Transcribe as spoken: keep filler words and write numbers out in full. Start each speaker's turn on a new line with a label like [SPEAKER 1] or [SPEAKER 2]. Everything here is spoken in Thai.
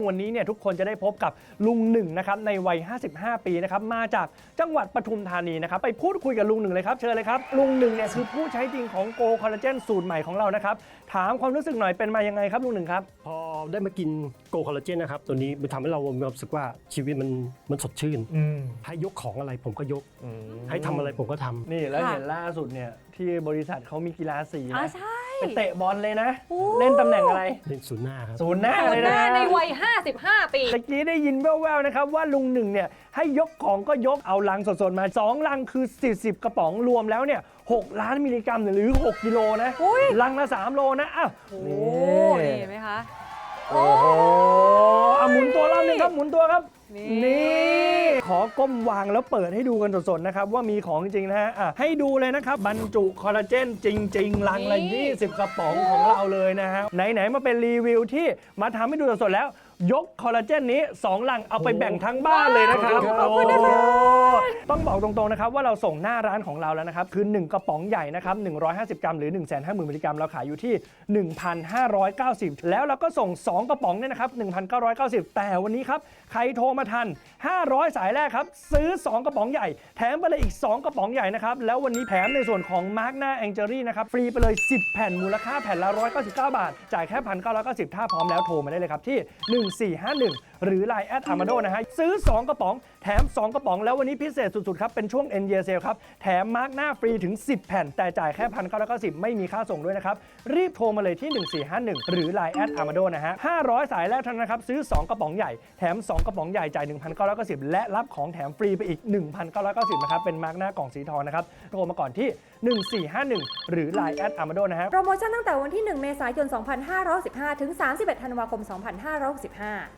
[SPEAKER 1] วันนี้เนี่ยทุกคนจะได้พบกับลุงหนึ่งนะครับในวัยห้าสิบห้าปีนะครับมาจากจังหวัดปทุมธานีนะครับไปพูดคุยกับลุงหนึ่งเลยครับเชิญเลยครับลุงหนึ่งเนี่ยคือผู้ใช้จริงของโกคอลลาเจนสูตรใหม่ของเรานะครับถามความรู้สึกหน่อยเป็นมายังไงครับลุงหนึ่งครับ
[SPEAKER 2] พอได้มากินโกคอลลาเจนนะครับตัวนี้มันทำให้เรามีความรู้สึกว่าชีวิตมันมันสดชื่นให้ยกของอะไรผมก็ยกให้ทำอะไรผมก็ทำ
[SPEAKER 1] นี่แล้วเห็นล่าสุดเนี่ยที่บริษัทเขามีกีฬาสีนะ
[SPEAKER 3] ใช่
[SPEAKER 1] ไปเตะบอลเลยนะเล่นตำแหน่งอะไร
[SPEAKER 2] เล่นศูนย์หน้าครับ
[SPEAKER 1] ศูนย์หน้า
[SPEAKER 3] ศู
[SPEAKER 1] เล
[SPEAKER 3] น
[SPEAKER 1] ย
[SPEAKER 3] ย์ห
[SPEAKER 1] นะ
[SPEAKER 3] น้าในวัยห้าสิบห้าปี
[SPEAKER 1] ตะกี้ได้ยินแว่วๆนะครับว่าลุงหนึ่งเนี่ยให้ยกของก็ยกเอาลังสดๆมาสองลังคือสี่สิบกระป๋องรวมแล้วเนี่ยหกล้านมิลลิกรัมหรือหกกิโลนะลังละสามโลนะอ้าว
[SPEAKER 3] โอ้นี่เห็นไหมคะ
[SPEAKER 1] โอ้โหอ่ะหมุนตัวรอบนึงครับหมุนตัวครับนี่ขอก้มวางแล้วเปิดให้ดูกันสดๆนะครับว่ามีของจริงนะฮะอ่ะให้ดูเลยนะครับบรรจุคอลลาเจนจริงๆลังละยี่สิบกระป๋องของเราเลยนะฮะไหนๆมาเป็นรีวิวที่มาทำให้ดูสดๆแล้วยกคอลลาเจนนี้สองลังเอาไปแบ่งทั้งบ้านเลยนะครับขอบคุณนะครับต้องบอกตรงๆนะครับว่าเราส่งหน้าร้านของเราแล้วนะครับคือหนึ่งกระป๋องใหญ่นะครับหนึ่งร้อยห้าสิบกรัมหรือ หนึ่งแสนห้าหมื่น มิลลิกรัมเราขายอยู่ที่ หนึ่งพันห้าร้อยเก้าสิบ แล้วเราก็ส่งสองกระป๋องเนี่ยนะครับ หนึ่งพันเก้าร้อยเก้าสิบ แต่วันนี้ครับใครโทรมาทันห้าร้อยสายแรกครับซื้อสองกระป๋องใหญ่แถมไปเลยอีกสองกระป๋องใหญ่นะครับแล้ววันนี้แถมในส่วนของมาร์กหน้าแองเจอรี่นะครับฟรีไปเลยสิบแผ่นมูลค่าแผ่นละหนึ่งร้อยเก้าสิบเก้าบาทจ่ายแค่ หนึ่งพันเก้าร้อยเก้าสิบ ถ้าพร้อมแล้วโทรมาได้เลยครับที่หนึ่งสี่ห้าหนึ่งหรือ ไลน์ แอท อาร์มาโด นะฮะซื้อสองกระป๋องแถมสองกระป๋องแล้ววันนี้พิเศษสุดๆครับเป็นช่วง End Year Sale ครับแถมมาร์กหน้าฟรีถึงสิบแผ่นแต่จ่ายแค่ หนึ่งพันเก้าร้อยเก้าสิบ ไม่มีค่าส่งด้วยนะครับรีบโทรมาเลยที่หนึ่งสี่ห้าหนึ่งหรือ ไลน์ แอท อาร์มาโด นะฮะห้าร้อยสายแรกเท่านั้นนะครับซื้อสองกระป๋องใหญ่แถมสองกระป๋องใหญ่จ่าย หนึ่งพันเก้าร้อยเก้าสิบ และรับของแถมฟรีไปอีก หนึ่งพันเก้าร้อยเก้าสิบ นะครับเป็นมาร์กหน้ากล่องสีทองนะครับโทรมาก่อนที่หนึ่งสี่ห้าหนึ่งหรือ ไลน์ แอท อาร์มาโด นะฮะ
[SPEAKER 4] โปรโมชั่นตั้งแต่วันที่หนึ่งเมษายนสองพันห้าร้อยสิบห้าถึงสามสิบเอ็ดธันวาคมสองพันห้าร้อยสิบห้า